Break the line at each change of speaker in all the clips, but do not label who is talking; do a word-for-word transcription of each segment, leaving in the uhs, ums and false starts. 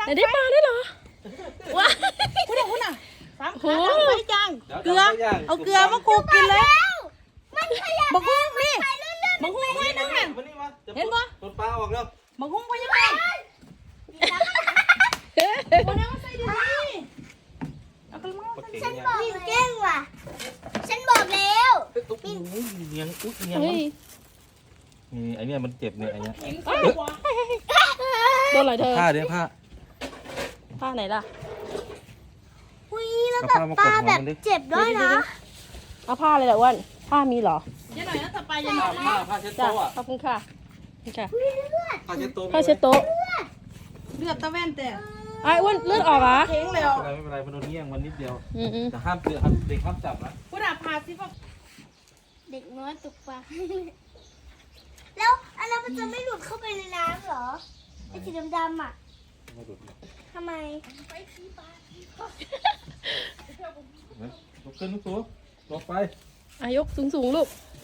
แต่ได้ปลาได้เหรอว้าคุณน่ะคุณน่ะสามขาดังไปจังเกลือเอาเกลือมาคลุกกินเลยบักฮุ้งนี่บักฮุ้งไว้นั่งเห็นปะ
ต้นปลาออกแล้ว
บักฮุ้งไว้ยังไงคนนั้นใส่ดีเอาไปมั่ง
ฉันบอกเก่งว่ะฉันบอกแล้ว
โอ้ยเนียงอุ๊ยเนียงนี่ไอเนี้ยมันเจ็บเนี่ยไอเนี้ย
โดนอะไรเธอ
ผ้าเดี๋ยวผ้า
ผ้าไหนล่ะ
อุ้ยแล้วแบบปลาแบบเจ็บด้วยนะ
เอาผ้าอะไรล่ะอ้วนผ้ามีเหรอเดี๋ยวหน่อยนะต่อไปยังหน่อย
ผ้าผ้าเช็ด
จ้ะ
โต๊ะ
ขอบคุณค่ะค่ะ
ผ้าเช็ดโต๊ะ
ผ้าเช็ดโต๊ะ
เลือดตะแว่นแต่
ไอ้อ้วนเลือดออกเหรอ
เทงแล้ว
ไม่เป็นไรไม่เป็นไรมันโดนเงี้ยงมันนิดเดียว
อืมอืม
แต่ห้ามเตือนเด็กห้ามจับนะ
คุณอาพาสิพ่อ
เด็กน้อยตกปลาแล้วอันนั้นมันจะไม่หลุดเข้าไปในน้ำเหรอไอ้สีดำๆอ่ะทำไม
ลุกขึ้นลุกสูงลงไป
อายกสูงสูงลูก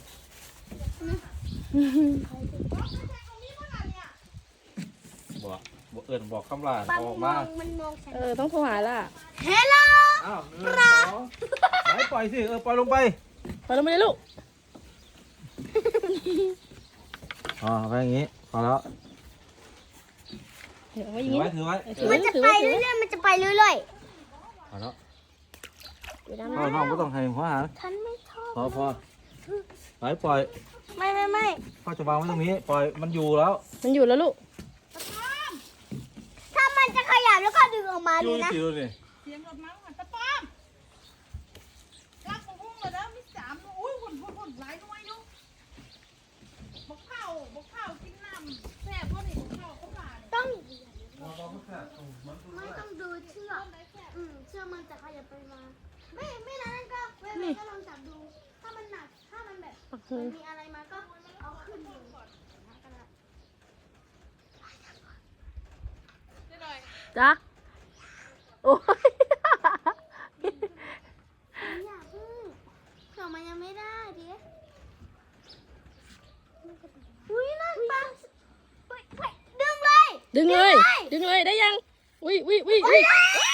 บอกบอกเอิญบอกคำลา
ปลา
อ
มั
อน ก
ม
มา
องมันมองฉัน
เออต้องโทรหาล่ะ
เฮลโล
อ้าวหนึ่งสองไหนปล่อยสิเออปล่อยลงไป
ไปลงมาเลยลูก
อ๋อไปอย่างงี้พอแล้ว
เดี๋ยวไว้อ
ถื
ย่าง
อ
งี้
ไว้ถือไว้
ถือ
มั
ไว้
นจะ
ถือ
ไป
ไว้ถือ
เรื่
ไว้
อยๆมันจะไปเรื่อย
พอแล้ว
เดี๋ยวนะ
พ่อน้องก็ต้องให้หัวหา
ๆฉันไม่ชอบ
พอพอไปปล่อย
ไม่ไม่ไม่
พ่อจะวางไว้ตรงนี้ปล่อยมันอยู่แล้ว
มันอยู่แล้วลูก
ถ้ามันจะขยับแล้วก็ดึงออกมา
อ
ดู
ยู่
นะ
ที่ดูนี่
เสียงรถมาหันตะป้อมรักของพุ่งเลยนะมีสามอุ้ยหุ่นหุ่นหุ่นหลายน้อยอยู่บกข้าวบกข้าวกินน้ำแซ่บพวกนี้บกข้าวก็หลาย
ต้องไม่ต้องดูเชือกอืมเชือกมันจะขยับไปมาไม่ไม่นั้นก็ไม่ไม่ก็ลองจับดู ถ้ามันหนักถ้ามันแบบมันมีอะไรมาก็เอาขึ้นดู
จ้ะโอ้ย
อย่าพึ่งเผื่อมันยังไม่ได้ดิอุ้ยนั่นปลาเฮ้ยเฮ้ยดึงเลย
ดึงเลย ดึงเลยได้ยังอุ้ยอุ้ยอุ้ยอุ้ย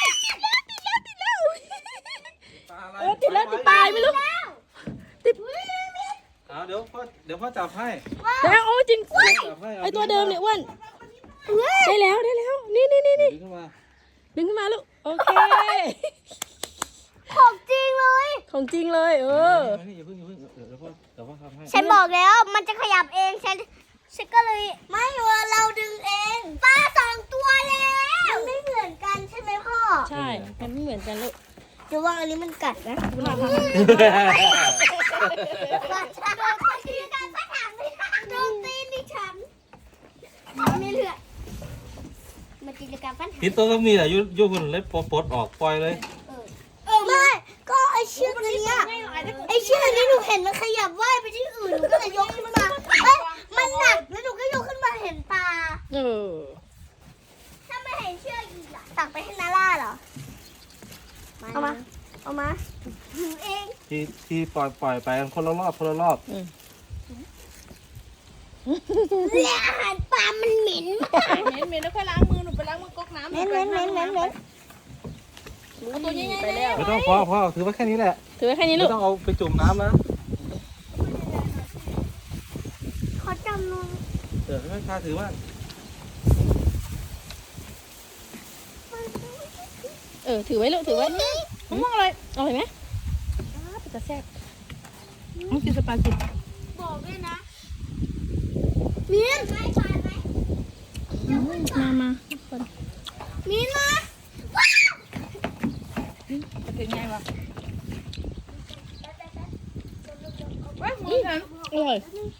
เออติดแล้วติดปลายไม่รู้ติด
เอาเดี๋ยวพ่อเดี๋ยวพ่อจับให้
แล้วโอ้จริง
จับให้
ไอตัวเดิมเนี่ยอ้วนได้แล้วได้แล้วนี่นี่นี่นี่
ดึงขึ้นมา
ดึงขึ้นมาลูกโอเค
ของจริงเลย
ของจริงเลยเออ
นี่อย่าเพิ่งอย่าเพิ่งเดี๋ยวพ่อเดี๋ยวพ่อทำให้
ฉันบอกแล้วมันจะขยับเองฉันฉันก็เลยไม่ว่าเราดึงเองปลาสองตัวแล้วมันไม่เหมือนกันใช่ไหมพ่อ
ใช่มันไม่เหมือนกันลูก
เดี๋ยวว่าอันนี้มันกัดนะ
คุณอาท
ว่าฉันโดนตีกันสักถามไม่ได้โดนตีนดิฉันไม่เหลือมาตีกันปัญหา
พิษตัวก็มีแหละยุยุคุณเล็บปลดปลดออกปล่อยเลย
เออไม่ก็ไอเชือกอันเนี้ยไอเชือกอันนี้หนูเห็นมันขยับว่ายไปที่อื่นหนูก็เลยยกขึ้นมาเอ้ยมันหนักแล้วหนูก็ยกขึ้นมาเห็นปลา
เออ
ถ้าไม่เห็นเชือกอีกล่ะตักไปให้นาล่าเหรอเอามาเอามาถือเอง
ที่ที่ปล่อยปล่อยไปกันคนละรอบคนละรอบ
และอาหารปลามันเหม็น
เหม็นเหม็นแล้วค่อยล้างมือหนูไปล้างมือก๊อกน้ำ
เหม็นเหม็นเหม็นเหม็นเหม็น
เอาตัวใหญ่ๆ
ไปแล้ว
ไม่ต้องพ่อพ่อถือไว้แค่นี้แหละ
ถือไว้แค่นี้ลู
ไม่
ก
ต้องเอาไปจุ่มน้ำนะ
ขอจำหนู
เดี๋ยวให้ข้าถือว่า
เออถือไว้ลูกถือไว้
มะม่วงอะไร
อร่อยไหมจะแซ่บต้องกินสปาเกตตี้
บอกด้วยนะมีนไม่ปลาไหม
มามาทุกคน
มีนมา
จะเป็นไงวะเว้ยมือฉัน
อร่อย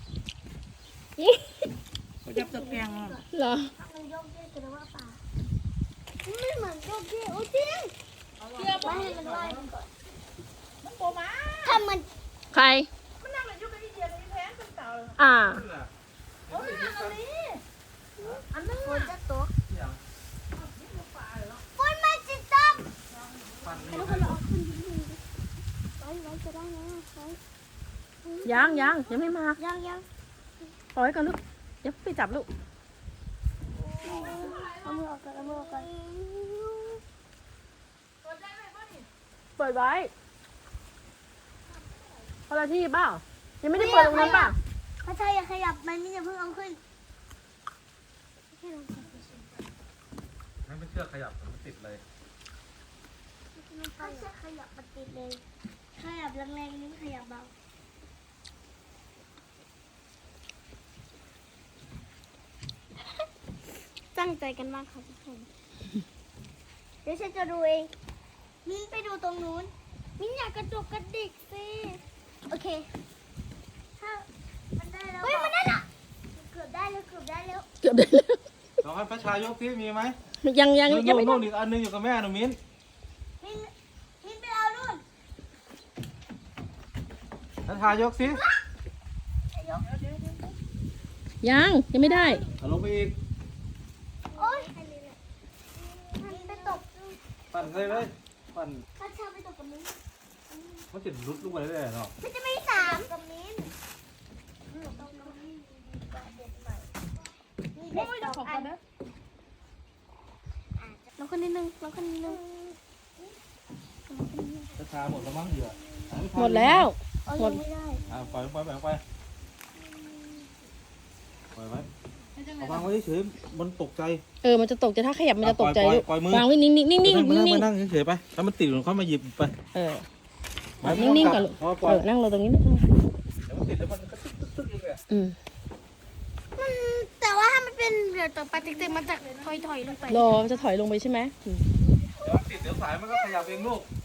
จับตะแกรงอ่ะ
เหรอ
มันโยกเยกกันว่าปลาไม่เหมือนโยกเยกโอ้จริง
เชื่อ
ไม่
ป่ะ
ให้มันว่ายก่อน
มันโตมา
ถ้ามัน
ใคร
มันนั่งอยู่กับอีเดียในแพงเป็นเต่า
อ่า
โอ้ยอันนี้อันนั้น
ฝนจะตก
อย่าง
ฝนมันจะตก
ฟันนี่
แล้วก็เราเอาขึ้นดิไว้ไว้จะได้นะไว้
ยังยังยังไม่มา
ยังยัง
ปล่อยไว้ก่อนลูกเดี๋ยวไปจับลูก
เอามือออกก่อนเอามือออกก่อน
เปิดไว้คนละที่เปล่ายังไม่ได้เปิดตรงนั้นเปล่า
ถ้าใช่อย่าขยับมันไม่จะเพิ่งเอาขึ้น
ให้ไม่เชื่อขยับมันติดเลย
ถ้าใช่ขยับมันติดเลยขยับแรงๆนิ้วขยับเบาตั้งใจกันมากค่ะทุกคนเดี๋ยวฉันจะดูเองมิ้นไปดูตรงนู้นมิ้นอยากกระจุกกระดิกสิโอเคถ้ามันได้แล้วเฮ้ยมันได้ละเกือบได้แล้วเกือบได้แล้ว
เกือบได้แล้ว
ลองให้พระชายกที่มีไหม
ยังยัง
นู่น
ยังไม่ได้
นู่นอีกอันนึงอยู่กับแม่หนูมิ้น
มิ้นมิ้นไปเอานู่น
พระชายกสิ
ยก
ยังยังไม่ได้
เอาลงไปอีก
โอ๊ยมันไปตก
ปั่นเลยเลยปั่น
ถ้าเชาไปตกกับมิ้น
มันจะลุดลงไปเรื่อยๆเนาะ
มันจะไม่สามกับมิ้นตกกับมิ้นดีกว่าเด็ดใหม่มีเด็
โอ้
ด
ย
ส
เดี๋ยว
อง
ขอ
อั
ก่อน นนะ
ลองคนนิดนึงลองคนนิดนึง
พระชาหมดแล้วมั้งเหยื่อ
หมดแล้ว
เอา
หม
ยั
ด
งไม่ได้
อ่าปล่อยไปปล่อยไปปล่อยไว้
ให้จังไง
เอาวางไว้เฉยๆมันตกใจ
เออมันจะตกใจถ้าขยับมันจะตกใจ
ปล่อย
ลูก
ปล่อยมือ
วางไว้นิ่งๆนิ่งๆนิ่ง
มานั่ง
ๆนิ่
มาง นั่งเฉยๆไปถ้ามันติดมันค่อยมาหยิบไป
ๆเออ
ไม่
นิ่งๆ
ต้
ก่
อ
อน
จับ
ลูก
พอปล่อ
เอย อนั่งลงตรงนี้นะ
เดี๋ยวมันติดแล้วมันก็ตึ๊กตึ๊กตึ๊กเองแหละ
อืม
มันแต่ว่าถ้ามันเป็นเรือต่อไปติ๊กๆมันจะถอยๆลงไป
รอมันจะถอยลงไปใช่ไหมอืม
เดี๋ยวมันติดเดี๋ยวสายมันก็ขยับเองลูก